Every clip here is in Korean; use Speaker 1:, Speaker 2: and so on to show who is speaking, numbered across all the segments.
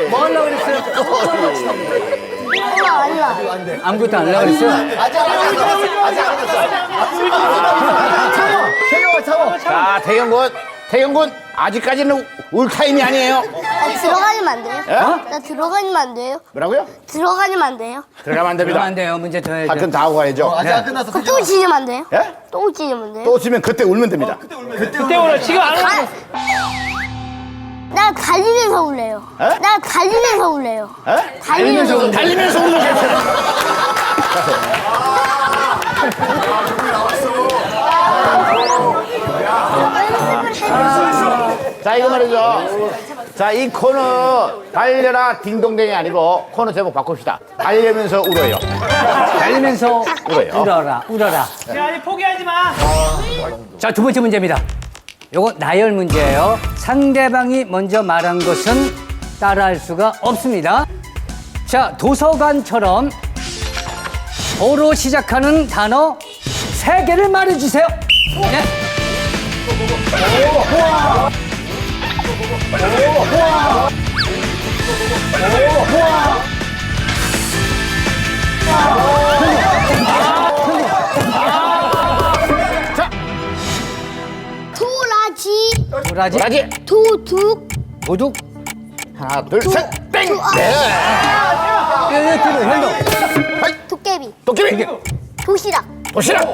Speaker 1: 뭐 하려고 그랬어요?
Speaker 2: 아니야.
Speaker 1: 아무것도 안 하려고 그랬어요?
Speaker 3: 자, 태경군 아직까지는 울 타임이 아니에요.
Speaker 2: 나 들어가면 안 돼요?
Speaker 3: 예?
Speaker 2: 나 들어가면 안 돼요?
Speaker 3: 뭐라고요?
Speaker 2: 들어가면 안 돼요?
Speaker 3: 들어가면 안
Speaker 1: 그러면
Speaker 3: 됩니다.
Speaker 1: 안 돼요. 문제 더 해야죠.
Speaker 3: 하여튼 다 하고 가야죠.
Speaker 4: 아직 안 끝났어.
Speaker 2: 그럼 또 지면 안 돼요?
Speaker 3: 예?
Speaker 2: 또 지면 돼요?
Speaker 3: 또 지면 그때 울면 됩니다.
Speaker 5: 그때 오늘 지금 안 하는
Speaker 2: 나 달리면서 울래요.
Speaker 3: 에?
Speaker 2: 나 달리면서 울래요.
Speaker 3: 예?
Speaker 2: 달리면서 울래요.
Speaker 3: 달리면서 울면 괜찮아. 자, 이거 말이죠. 자, 이 코너 달려라 딩동댕이 아니고 코너 제목 바꿉시다. 달리면서 울어요.
Speaker 1: 달리면서
Speaker 3: 울어요.
Speaker 1: 울어라.
Speaker 5: 야, 아직 포기하지 마.
Speaker 1: 자, 두 번째 문제입니다. 요거 나열 문제예요. 상대방이 먼저 말한 것은 따라할 수가 없습니다. 자, 도서관처럼 어로 시작하는 단어 3개를 말해주세요. 네. 도라지,
Speaker 3: 도라지.
Speaker 2: 도둑,
Speaker 1: 도둑,
Speaker 3: 하나, 둘, 셋, 땡! 네.
Speaker 1: 현동,
Speaker 2: 도깨비,
Speaker 3: 도깨비.
Speaker 2: 도시락,
Speaker 3: 도시락.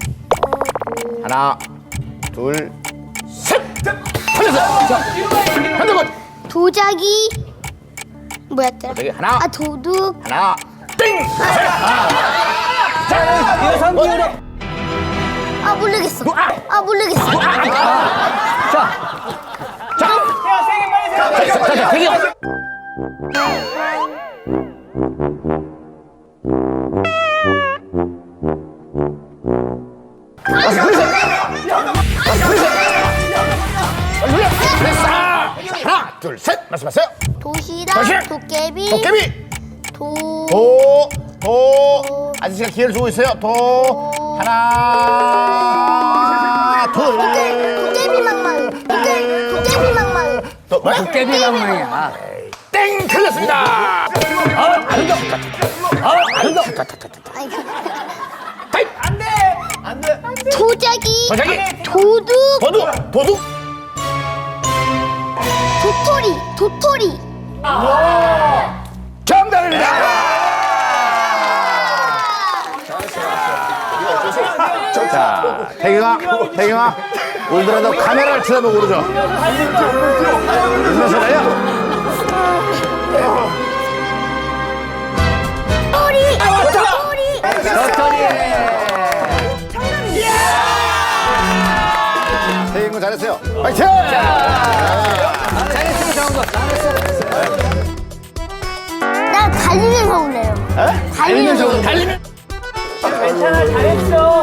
Speaker 3: 하나, 둘, 셋. 걸렸어. 현동군.
Speaker 2: 도자기, 뭐였더라?
Speaker 3: 도자기 하나.
Speaker 2: 아, 도둑,
Speaker 3: 하나, 땡!
Speaker 1: 여성 기호로.
Speaker 2: 아, 모르겠어. 아, 모르겠어.
Speaker 1: 자,
Speaker 5: 야, 세게 빨리 세게.
Speaker 3: 자, 태경. 하나, 둘, 셋. 말씀하세요.
Speaker 2: 도시락,
Speaker 3: 도시락,
Speaker 2: 도깨비,
Speaker 3: 도깨비.
Speaker 2: 도,
Speaker 3: 아저씨가 기회를 주고 있어요. 하나, 둘.
Speaker 2: 도깨비 막말, 도깨비 막말.
Speaker 3: 뭐야?
Speaker 1: 도깨비 방망이야.
Speaker 3: 땡! 틀렸습니다.
Speaker 2: 아니,
Speaker 5: 안 돼.
Speaker 2: 도자기,
Speaker 3: 도자기.
Speaker 2: 도둑,
Speaker 3: 도둑.
Speaker 2: 도토리.
Speaker 3: 정답입니다. 자, 태경아, 울더라도 카메라를 쳐다보고 그러죠. 울면서 가요.
Speaker 2: 도토리.
Speaker 1: 도토리.
Speaker 3: 태경군 잘했어요. 파이팅!
Speaker 1: 잘했어, 정도.
Speaker 2: 나 달리면서 울래요.
Speaker 3: 달리면서
Speaker 5: 괜찮아, 잘했어.